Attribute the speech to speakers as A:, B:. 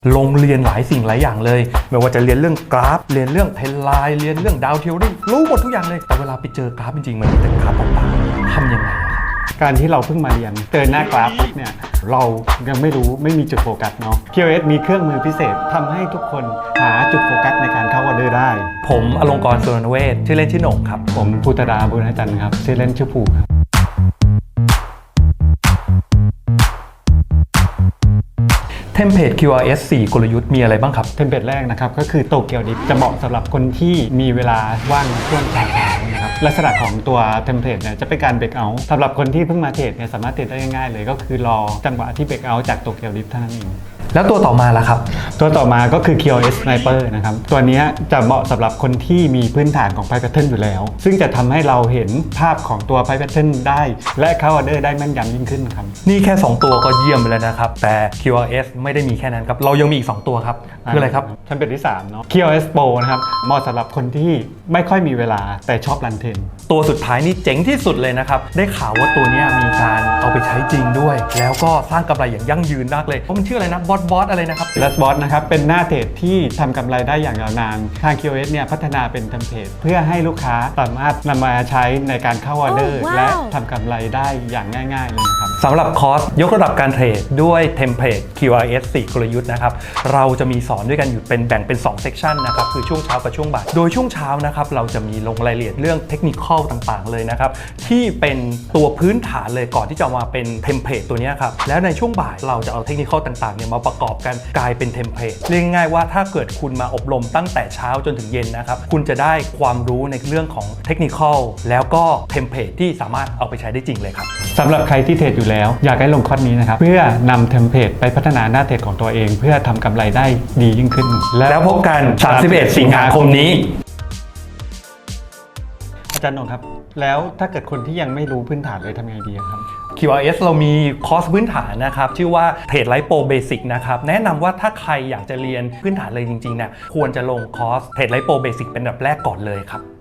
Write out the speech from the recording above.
A: ลงเรียนหลายสิ่งหลายอย่างเลยไม่ว่าจะเรียนเรื่องกราฟเรียนเรื่องเพนไลน์เรียนเรื่องดาวเทอรี่รู้หมดทุกอย่างเลยแต่เวลาไปเจอกราฟจริงๆมันมีแต่กราฟต่างๆทำยังไงอะครับ
B: การที่เราเพิ่งมาเรียนเจอหน้ากราฟปุ๊บเนี่ยเรายังไม่รู้ไม่มีจุดโฟกัสเนาะ QoS มีเครื่องมือพิเศษทำให้ทุกคนหาจุดโฟกัสในการเข้าออเดอร์ได้
A: ผมอลงกรณ์ สุรณเวชชื่อเล่นชื่อโหน่งครับ
B: ผมภูตราบุญจันทร์ครับชื่อเล่นชื่อภูครับ
A: เทมเพลต QRS 4 กลยุทธ์มีอะไรบ้างครับ
B: เทมเพลตแรกนะครับก็คือโตเกียวดิฟจะเหมาะสำหรับคนที่มีเวลาว่างช่วงเช้านะครับลักษณะของตัวเทมเพลตเนี่ยจะเป็นการเบรกเอาท์สำหรับคนที่เพิ่งมาเทรดเนี่ยสามารถเทรดได้ง่ายๆเลยก็คือรอจังหวะที่เบรกเอาท์จากโตเกียวดิฟเท่านั้นเอง
A: แล้วตัวต่อมาล่ะครับ
B: ตัวต่อมาก็คือ QoS Sniper นะครับตัวนี้จะเหมาะสำหรับคนที่มีพื้นฐานของ Price Pattern อยู่แล้วซึ่งจะทำให้เราเห็นภาพของตัว Price Pattern ได้และเข้าออเดอร์ได้แม่นยำยิ่งขึ้นครับ
A: นี่แค่2ตัวก็เยี่ยมไปแล้วนะครับแต่ QRS ไม่ได้มีแค่นั้นครับเรายังมีอีก2ตัวครับคืออะไรครับ
B: เทมเพลตที่3เนาะ QoS Pro นะครับเหมาะสำหรับคนที่ไม่ค่อยมีเวลาแต่ชอบรันเทรน
A: ตัวสุดท้ายนี่เจ๋งที่สุดเลยนะครับได้ข่าวว่าตัวนี้มีการเอาไปใช้จริงด้วยแล้วก็สร้างกำไรอย่างยั่งยืนมากเลยเพราะมันชื่ออะไรนะบอสอะไรนะครับ
B: Lastbot นะครับเป็นหน้าเทรดที่ทำกำไรได้อย่างยาวนานทาง QoS เนี่ยพัฒนาเป็นเทมเพลตเพื่อให้ลูกค้าสามารถนำมาใช้ในการเข้าออเดอร์ และทำกำไรได้อย่างง่ายๆเลยนะครับ
A: สำหรับคอร์สยกระดับการเทรดด้วยเทมเพลต QRS 4 กลยุทธ์นะครับเราจะมีสอนด้วยกันอยู่เป็นแบ่งเป็น2เซกชันนะครับคือช่วงเช้ากับช่วงบ่ายโดยช่วงเช้านะครับเราจะมีลงรายละเอียดเรื่องเทคนิคอลต่างๆเลยนะครับที่เป็นตัวพื้นฐานเลยก่อนที่จะมาเป็นเทมเพลตตัวนี้ครับแล้วในช่วงบ่ายเราจะเอาเทคนิคอลต่างๆเนี่ยมาประกอบกันกลายเป็นเทมเพลตเรียกง่ายๆว่าถ้าเกิดคุณมาอบรมตั้งแต่เช้าจนถึงเย็นนะครับคุณจะได้ความรู้ในเรื่องของเทคนิคอลแล้วก็เทมเพลตที่สามารถเอาไปใช้ได้จริงเลยครับ
B: สำหรับใครที่เทรดอยู่แล้วอยากให้ลงคอร์สนี้นะครับเพื่อนำเทมเพลตไปพัฒนาหน้าเทรดของตัวเองเพื่อทำกำไรได้ดียิ่งขึ้น
A: แล้วพบกัน31 สิงหาคมนี้
B: อาจารย์นนท์ครับแล้วถ้าเกิดคนที่ยังไม่รู้พื้นฐานเลยทำไงดีครับ
A: QRS เรามีคอร์สพื้นฐานนะครับชื่อว่า Trade Light Pro Basic นะครับแนะนำว่าถ้าใครอยากจะเรียนพื้นฐานเลยจริงๆเนี่ยควรจะลงคอร์ส Trade Light Pro Basic เป็นอันดับแรกก่อนเลยครับ